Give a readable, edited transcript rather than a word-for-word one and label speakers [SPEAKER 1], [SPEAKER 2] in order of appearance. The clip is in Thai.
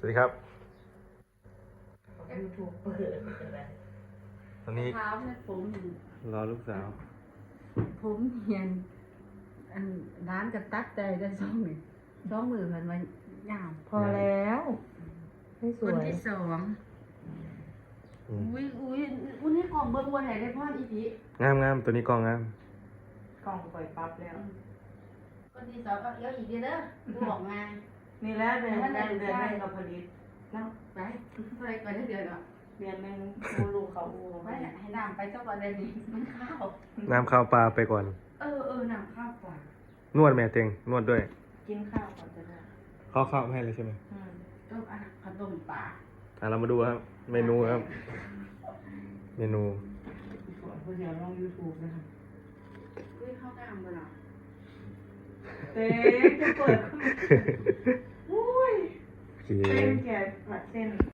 [SPEAKER 1] วัสดีครับ
[SPEAKER 2] ยูทูบเปิด
[SPEAKER 1] ตอนนี้
[SPEAKER 3] เท้าเนี่ยผม
[SPEAKER 1] รอลูกสาว
[SPEAKER 3] ผมเหียนอันร้านกระตักใจได้ช่องนี่ช่องมือมันยาว
[SPEAKER 2] พอแล้วให้ส
[SPEAKER 3] ค
[SPEAKER 2] วน ย
[SPEAKER 3] ที่สอง
[SPEAKER 1] อืม
[SPEAKER 3] อุ้ยนี่กล่องเบอร์วันไหนได้พ่ออีพี
[SPEAKER 1] งามตัวนี้กล้องงาม
[SPEAKER 2] กล่องปล่อยปั๊บแล้ว
[SPEAKER 3] คนที่สองก็เยอะอีกเด้อดูออกงาน
[SPEAKER 2] นี่แหละเดือนแรกกับผลิตนะ
[SPEAKER 3] ไปเท่าไรก่อนได้เดือนหรอ
[SPEAKER 2] เดือนหนึงอูลูกเขาอู
[SPEAKER 3] ไปให้น้ำไปเจ้าก่อนได้ดีมันข้าว
[SPEAKER 1] น้ำข้าวปลาไปก่อน
[SPEAKER 3] น้ำข้าวกว่า
[SPEAKER 1] นวดแม่เต็งนวดด้วย
[SPEAKER 2] กินข้าวก่อนจะได้
[SPEAKER 1] ข้าวให้เลยใช่ไหม
[SPEAKER 3] ต้มขนมป่า
[SPEAKER 1] เรามาดูครับ เมนูครับ เมนู
[SPEAKER 2] ส่วนผู้เดียวลงยูทูบนะคะ
[SPEAKER 3] อุ้ยข้าวกล้ามบ่ล่ะ
[SPEAKER 2] เต้จะเปิดอุ้ย
[SPEAKER 1] โอเค
[SPEAKER 2] เต้นแก่ผัดเส้น